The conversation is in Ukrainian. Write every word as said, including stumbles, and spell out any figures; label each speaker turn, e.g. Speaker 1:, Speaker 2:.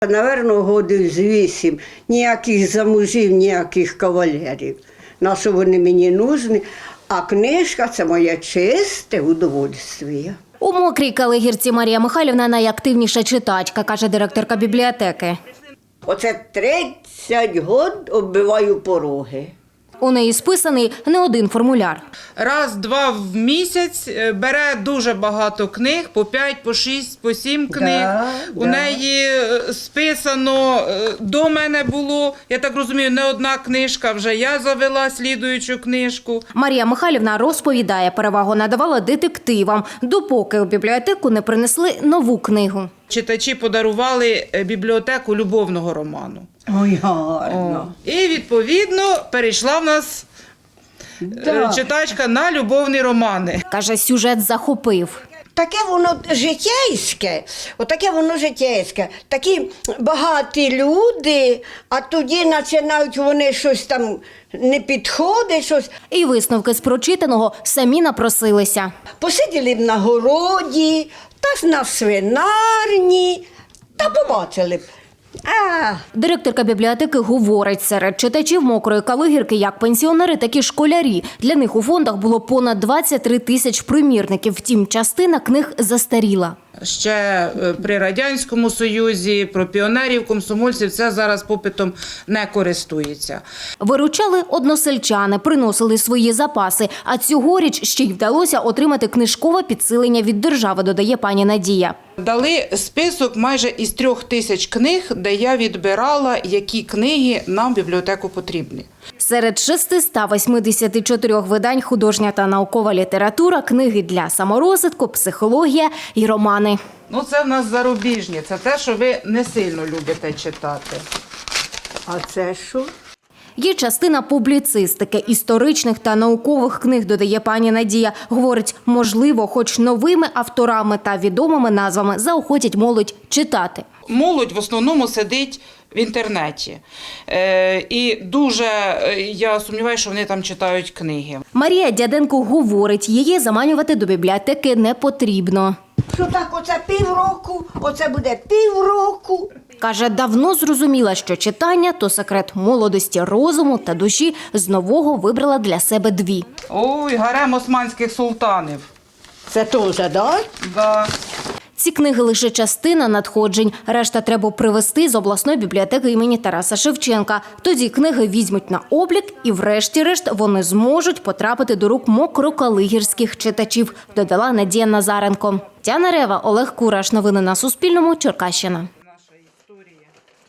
Speaker 1: Наверно, годин з вісім. Ніяких замужів, ніяких кавалерів. На що вони мені нужні. А книжка – це моє чисте удовольствие.
Speaker 2: У Мокрій Калигірці Марія Михайлівна найактивніша читачка, каже директорка бібліотеки.
Speaker 1: Оце тридцять років оббиваю пороги.
Speaker 2: У неї списаний не один формуляр.
Speaker 3: Раз-два в місяць бере дуже багато книг, по п'ять, по шість, по сім книг.
Speaker 1: Да,
Speaker 3: У
Speaker 1: да.
Speaker 3: неї списано, до мене було, я так розумію, не одна книжка, вже я завела слідуючу книжку.
Speaker 2: Марія Михайлівна розповідає, перевагу надавала детективам, допоки у бібліотеку не принесли нову книгу.
Speaker 3: Читачі подарували бібліотеку любовного роману.
Speaker 1: Ой, гарно.
Speaker 3: О. І, відповідно, перейшла в нас
Speaker 1: Да.
Speaker 3: е, читачка на любовні романи.
Speaker 2: Каже, сюжет захопив.
Speaker 1: Таке воно житейське, отаке воно житейське. Такі багаті люди, а тоді починають вони щось там не підходить, щось.
Speaker 2: І висновки з прочитаного самі напросилися.
Speaker 1: Посиділи б на городі, та на свинарні, та побачили б. А,
Speaker 2: Директорка бібліотеки говорить, серед читачів Мокрої Калигірки як пенсіонери, так і школярі. Для них у фондах було понад двадцять три тисяч примірників, втім, частина книг застаріла.
Speaker 3: Ще е, при Радянському Союзі, про піонерів, комсомольців, це зараз попитом не користується.
Speaker 2: Виручали односельчани, приносили свої запаси, а цьогоріч ще й вдалося отримати книжкове підсилення від держави, додає пані Надія.
Speaker 3: Дали список майже із трьох тисяч книг, де я відбирала, які книги нам в бібліотеку потрібні.
Speaker 2: Серед шестисот восьмидесяти чотирьох видань художня та наукова література, книги для саморозвитку, психологія і романи.
Speaker 3: Ну, це в нас зарубіжні, це те, що ви не сильно любите читати.
Speaker 1: а це що?
Speaker 2: Є частина публіцистики, історичних та наукових книг, додає пані Надія. Говорить, можливо, хоч новими авторами та відомими назвами заохотять молодь читати.
Speaker 3: Молодь в основному сидить в інтернеті. Е, і дуже, е, я сумніваюся, що вони там читають книги.
Speaker 2: Марія Дяденко говорить, її заманювати до бібліотеки не потрібно.
Speaker 1: Що так, оце півроку, оце буде півроку.
Speaker 2: Каже, давно зрозуміла, що читання – то секрет молодості, розуму та душі. З нового вибрала для себе дві.
Speaker 3: Ой, гарем османських султанів.
Speaker 1: Це теж, да?
Speaker 3: Да.
Speaker 2: Ці книги – лише частина надходжень. Решта треба привезти з обласної бібліотеки імені Тараса Шевченка. Тоді книги візьмуть на облік і врешті-решт вони зможуть потрапити до рук мокрокалигірських читачів, додала Надія Назаренко. Тяна Рева, Олег Кураш. Новини на Суспільному. Черкащина.